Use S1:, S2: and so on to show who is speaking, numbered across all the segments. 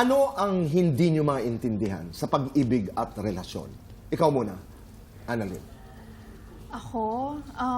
S1: Ano ang hindi nyo maintindihan sa pag-ibig at relasyon? Ikaw muna, Annalyn.
S2: Ako,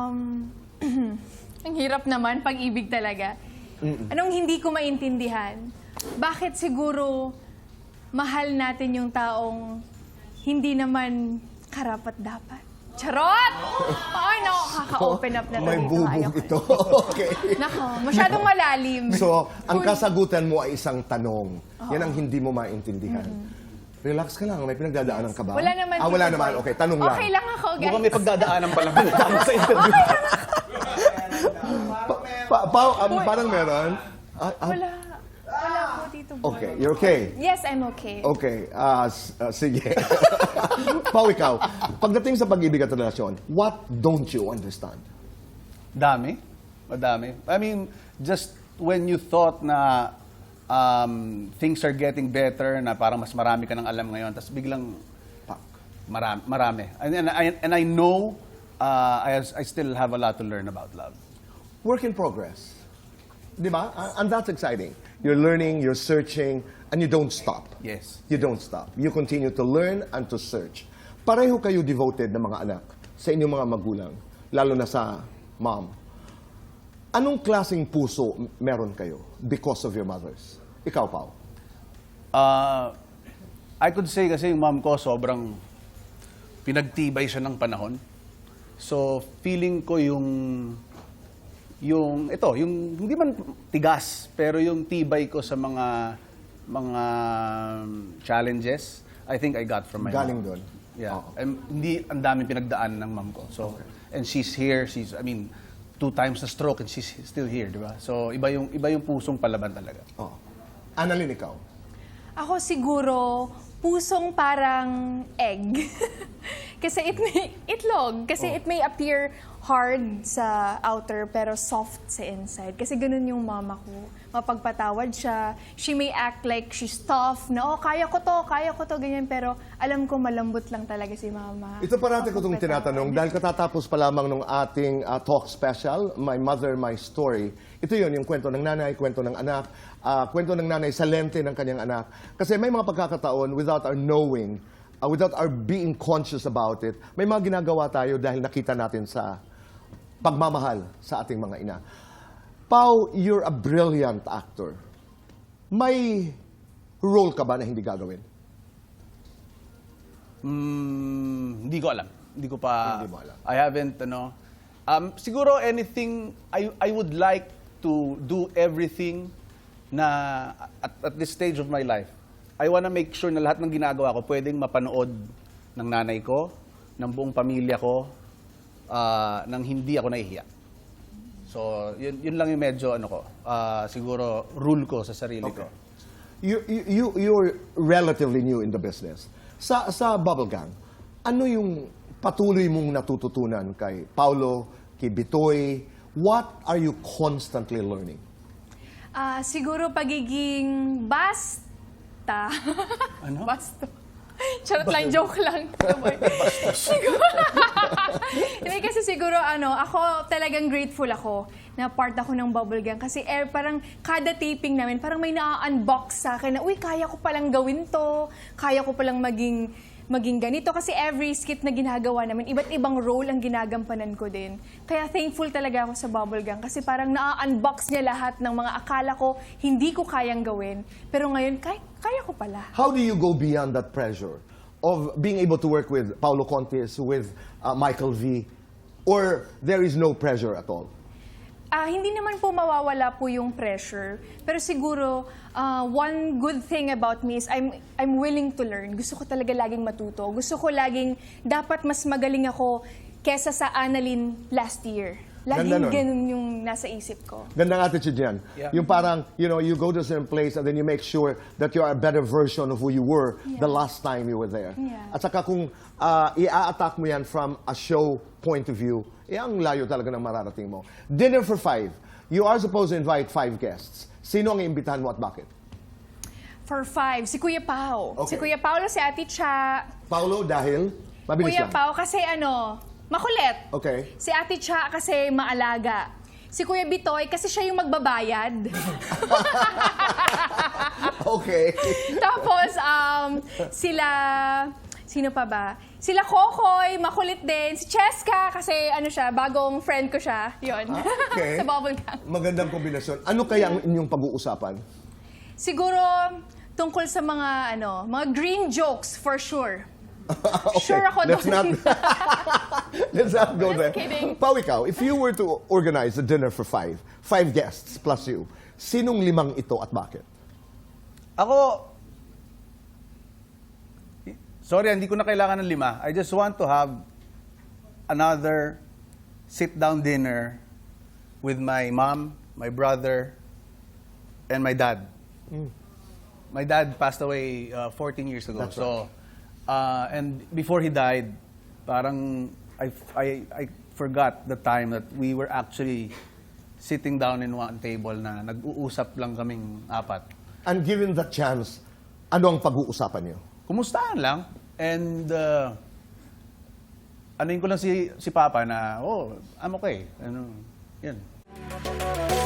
S2: ang hirap naman, pag-ibig talaga. Anong hindi ko maintindihan? Bakit siguro mahal natin yung taong hindi naman karapat-dapat? Charot! Ay, nako, kaka-open up na
S1: May
S2: talaga.
S1: bubog ito. Okay.
S2: Nako, masyadong malalim.
S1: So, ang kasagutan mo ay isang tanong. Yan ang hindi mo maintindihan. Relax ka lang. May pinagdadaanan ka ba?
S2: Wala naman.
S1: Wala
S2: Tito
S1: naman.
S2: Boy.
S1: Okay, tanong lang.
S2: Okay lang ako, guys.
S3: Mukhang may pagdadaanan pala sa interview.
S1: Parang meron.
S2: Wala. Wala po, Tito Boy.
S1: Okay, you're okay.
S2: Yes, I'm okay.
S1: Okay, sige. Pao, ikaw. Pagdating sa pag-ibig at relasyon, what don't you understand?
S3: Dami. Madami. I mean, just when you thought na things are getting better, na parang mas marami ka nang alam ngayon, tapos biglang, pak, marami. And I know I still have a lot to learn about love.
S1: Work in progress. Di ba? And that's exciting. You're learning, you're searching, and you don't stop.
S3: Yes.
S1: You don't stop. You continue to learn and to search. Pareho kayo devoted na mga anak sa inyong mga magulang, lalo na sa mom. Anong klaseng puso meron kayo because of your mothers? Ikaw, Pao.
S3: I could say kasi yung mom ko sobrang pinagtibay siya ng panahon. So, feeling ko yung hindi man tigas, pero yung tibay ko sa mga challenges, I think I got from my
S1: Galing
S3: mom.
S1: doon.
S3: Yeah.
S1: Oo.
S3: And hindi ang daming pinagdaan ng mom ko. So, and she's here, I mean, 2 times na stroke and she's still here, di ba? So, iba yung pusong palaban talaga.
S1: Oh. Annalyn, ikaw.
S2: Ako siguro, pusong parang egg. Kasi itlog. Kasi it may appear hard sa outer pero soft sa inside. Kasi ganun yung mama ko. Mapagpatawad siya. She may act like she's tough, na kaya ko to, ganyan. Pero alam ko malambot lang talaga si mama.
S1: Ito parati ko itong tinatanong dahil katatapos pa lamang ng ating talk special, My Mother, My Story. Ito yun, yung kwento ng nanay, kwento ng anak, kwento ng nanay sa lente ng kanyang anak. Kasi may mga pagkakataon, without our knowing, without our being conscious about it, may mga ginagawa tayo dahil nakita natin sa pagmamahal sa ating mga ina. Pao, you're a brilliant actor. May role ka ba na hindi gagawin?
S3: Hindi ko alam. Hindi ko pa...
S1: Hindi mo alam.
S3: I haven't, siguro anything, I would like to do everything na at this stage of my life. I wanna make sure na lahat ng ginagawa ko pwedeng mapanood ng nanay ko, ng buong pamilya ko, nang hindi ako nahihiya. So, yun lang yung medyo, siguro rule ko sa sarili ko.
S1: You're relatively new in the business. Sa Bubble Gang, ano yung patuloy mong natututunan kay Paulo, kay Bitoy? What are you constantly learning?
S2: Siguro pagiging basta.
S3: Ano?
S2: Basta. Charot lang, joke lang. Siguro. Hindi, kasi siguro, ako talagang grateful ako na part ako ng Bubble Gang. Kasi parang kada taping namin, parang may na-unbox sa akin na, uy, kaya ko palang gawin to. Kaya ko palang maging ganito. Kasi every skit na ginagawa namin, iba't ibang role ang ginagampanan ko din. Kaya thankful talaga ako sa Bubble Gang. Kasi parang na-unbox niya lahat ng mga akala ko hindi ko kayang gawin. Pero ngayon, kaya ko pala.
S1: How do you go beyond that pressure of being able to work with Paulo Contis, with Michael V, or there is no pressure at all?
S2: Hindi naman po mawawala po yung pressure. Pero siguro, one good thing about me is I'm willing to learn. Gusto ko talaga laging matuto. Gusto ko laging, dapat mas magaling ako kesa sa Annalyn last year. Laging ganun yung nasa isip ko.
S1: Gandang attitude yan.
S3: Yeah.
S1: Yung parang, you go to a certain place and then you make sure that you are a better version of who you were the last time you were there.
S2: Yeah.
S1: At saka kung i-attack mo yan from a show point of view, ang layo talaga ng mararating mo. Dinner for 5. You are supposed to invite 5 guests. Sino ang iimbitahan mo at bakit?
S2: For 5, si Kuya Pao.
S1: Okay.
S2: Si Kuya Paolo, si Ate Cha.
S1: Paulo, dahil? Mabilis
S2: Kuya
S1: lang.
S2: Pao, kasi makulit.
S1: Okay.
S2: Si Ate Cha kasi maalaga. Si Kuya Bitoy kasi siya yung magbabayad.
S1: Okay.
S2: Tapos, sila, sino pa ba? Sila Kokoy, makulit din. Si Cheska, kasi ano siya, bagong friend ko siya. Yun.
S1: Okay.
S2: Sa bubblegum.
S1: Magandang kombinasyon. Ano kaya ang inyong pag-uusapan?
S2: Siguro, tungkol sa mga green jokes, for sure.
S1: Okay,
S2: Sure ako
S1: let's
S2: doon.
S1: let's not go
S2: Just
S1: there.
S2: kidding.
S1: Pao, ikaw, if you were to organize a dinner for five guests plus you, sinong limang ito at bakit?
S3: Ako, sorry, hindi ko na kailangan ng 5. I just want to have another sit-down dinner with my mom, my brother, and my dad. My dad passed away 14 years ago.
S1: That's
S3: So, and before he died, parang I forgot the time that we were actually sitting down in one table na nag-uusap lang kaming 4.
S1: And given the chance, ano ang pag-uusapan niyo?
S3: Kumustahan lang. And anuin ko lang si Papa na, oh, I'm okay. Ano, yan.